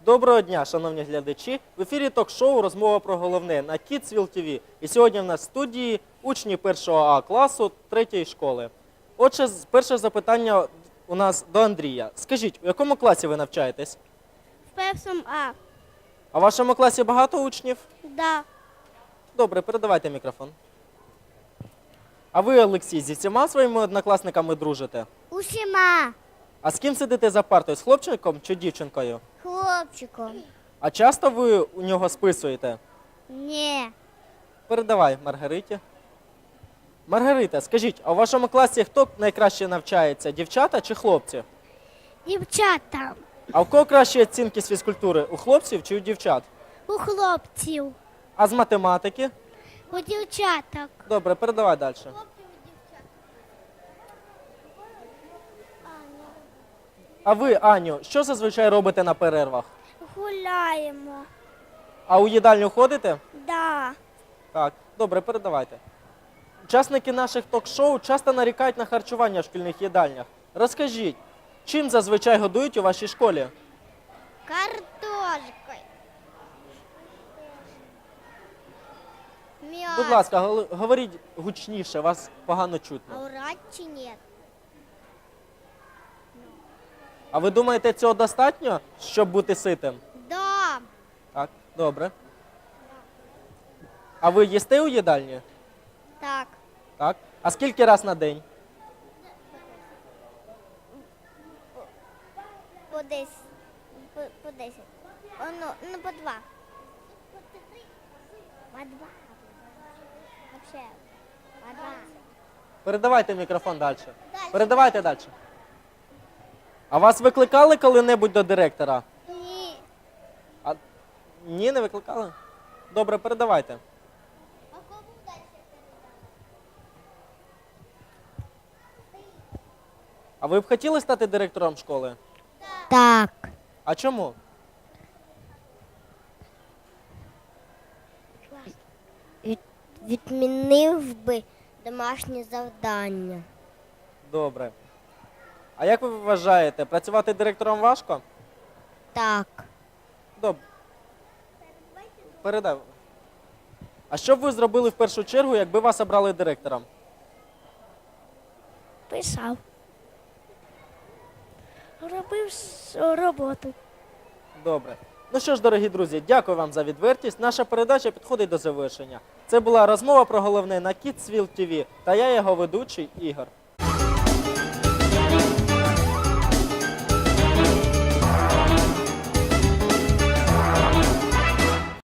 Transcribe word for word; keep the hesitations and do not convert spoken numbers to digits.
Доброго дня, шановні глядачі! В ефірі ток-шоу «Розмова про головне» на Kidsville ті ві. І сьогодні в нас в студії учні першого А класу третьої школи. Отже, перше запитання у нас до Андрія. Скажіть, у якому класі ви навчаєтесь? В першому А. А в вашому класі багато учнів? Да. Добре, передавайте мікрофон. А ви, Олексій, зі всіма своїми однокласниками дружите? Усіма. А з ким сидите за партою? З хлопчиком чи дівчинкою? Хлопчиком. А часто ви у нього списуєте? Ні. Передавай Маргариті. Маргарита, скажіть, а у вашому класі хто найкраще навчається? Дівчата чи хлопці? Дівчата. А у кого кращі оцінки з фізкультури? У хлопців чи у дівчат? У хлопців. А з математики? У дівчаток. Добре, передавай далі. А ви, Аню, що зазвичай робите на перервах? Гуляємо. А у їдальню ходите? Да. Так, добре, передавайте. Учасники наших ток-шоу часто нарікають на харчування в шкільних їдальнях. Розкажіть, чим зазвичай годують у вашій школі? Картошкою. М'ясо. Будь ласка, гол- говоріть гучніше, вас погано А чутно. урать чи ні? А ви думаєте, цього достатньо, щоб бути ситим? Да. Так, добре. А ви їсте у їдальні? Так. Так. А скільки раз на день? По десять. По, по десять. О, ну, ну, по два. По два. Вообще. По два. Передавайте мікрофон далі. Передавайте далі. А вас викликали коли-небудь до директора? Ні. А... Ні, не викликали? Добре, передавайте. А кому далі? А ви б хотіли стати директором школи? Так. А чому? Від, відмінив би домашнє завдання. Добре. А як ви вважаєте, працювати директором важко? Так. Добре. Передай. А що б ви зробили в першу чергу, якби вас обрали директором? Писав. Робив с- роботу. Добре. Ну що ж, дорогі друзі, дякую вам за відвертість. Наша передача підходить до завершення. Це була розмова про головне на Kidsville ті ві та я його ведучий Ігор.